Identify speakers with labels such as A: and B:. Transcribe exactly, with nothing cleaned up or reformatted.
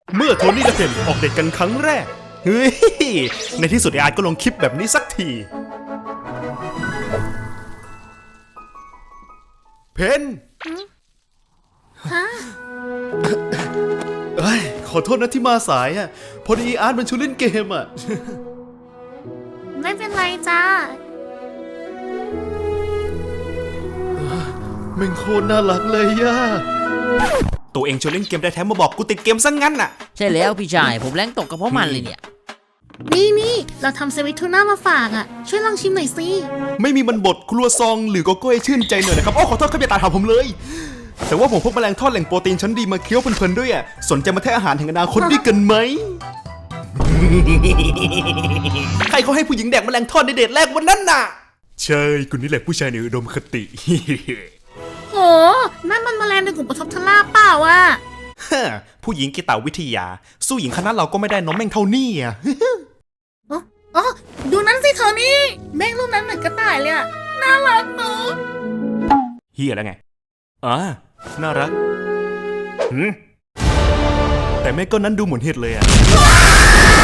A: เมื่อโทนี่และเพนออกเดทกันครั้งแรกเฮ้ยในที่สุดไออาร์ตก็ลงคลิปแบบนี้สักทีเพน
B: ฮะ
A: เอ้ยขอโทษนะที่มาสายอ่ะพอดีอาร์ตมันชวนเล่นเกมอ่ะ
B: ไม่เป็นไรจ้า
A: แม่งโคตรน่ารักเลยย่าตัวเองชวนเล่นเกมได้แถมมาบอกกูติดเกมซะ งั้นน่ะ
C: ใช่แล้วพี่ชายผมแรงตกกับเพราะมันเลยเนี่ย
B: นี่นี่เราทำเซวิทูน่ามาฝากอ่ะช่วยลองชิมหน่อยสิ
A: ไม่มีมันบดครัวซองหรือโกโก้ให้ชื่นใจหน่อยนะครับอ๋อขอโทษครับอย่าตาถามผมเลยแต่ว่าผมพกแมลงทอดแหล่งโปรตีนชั้นดีมาเคี้ยวเพลินๆด้วยอ่ะสนใจมาแทะอาหารแห่งอนาคตด้วยกันไหม ใครเขาให้ผู้หญิงแดกแมลงทอดในเดทแรกวันนั้นน่ะใช่คุณนี่แหละผู้ชายในอุดมคติ
B: โหนั่นมันแมลงในกลุ่มปฐบทลาเปล่าอ่ะ
A: ผู้หญิงกีตาวิทยาสู้หญิงคณะเราก็ไม่ได้น้องแม่งเท่านี้อ่ะ
B: อ๋ออ๋อดูนั้นสิเธอนี่แม่งรูปนั้นเหมือนกระต่ายเลยอ่ะน่ารักเนอะ
A: เฮียแล้วไงอ่าน่ารักหืมแต่แม่ก็นั้นดูเหมือนเห็ดเลยอ่ะ